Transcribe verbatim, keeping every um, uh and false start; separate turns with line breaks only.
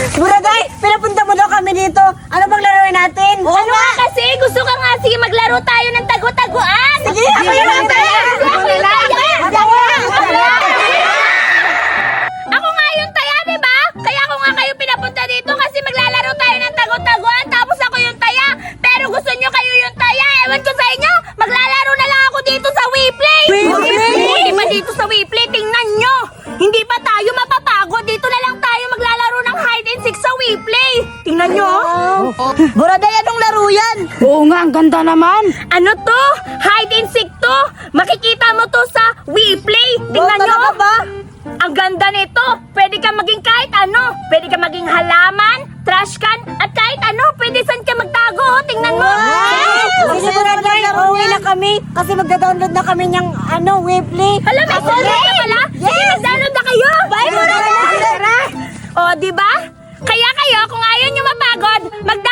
Buraday, pinapunta mo daw kami dito. Ano bang laruin natin?
Oo ano nga kasi, gusto ka nga, sige maglaro tayo ng tago-taguan.
Sige, ako yung
Ako yung taya. Ako nga yung taya, di ba? Kaya ako nga kayo pinapunta dito kasi maglalaro tayo ng tago-taguan tapos ako yung taya. Pero gusto nyo kayo yung taya. Ewan ko sa inyo, maglalaro na lang ako dito sa WePlay.
WePlay?
Hindi ba dito sa WePlay? Tingnan nyo. Hindi pa tayo mapapagod. Dito na lang tayo maglalaro ng hide and seek sa WePlay. Tingnan nyo.
Buraday, anong laro yan?
Oo nga, ang ganda naman.
Ano to? Hide and seek to? Makikita mo to sa WePlay. Tingnan
Oh,
nyo.
talaga ba?
Ang ganda nito. Pwede ka maging kahit ano. Pwede ka maging halaman, trash can, at kahit ano. Pwede saan ka magtago. oh. Tingnan mo.
Sige, Buraday, uuwi na kami kasi magda-download na kami ng ano, WePlay.
Alam mo, okay. ka pala? Sige, mag-download na kayo. Bye, Buraday. O, di ba? Kaya kayo, kung ayaw nyo mapagod, mag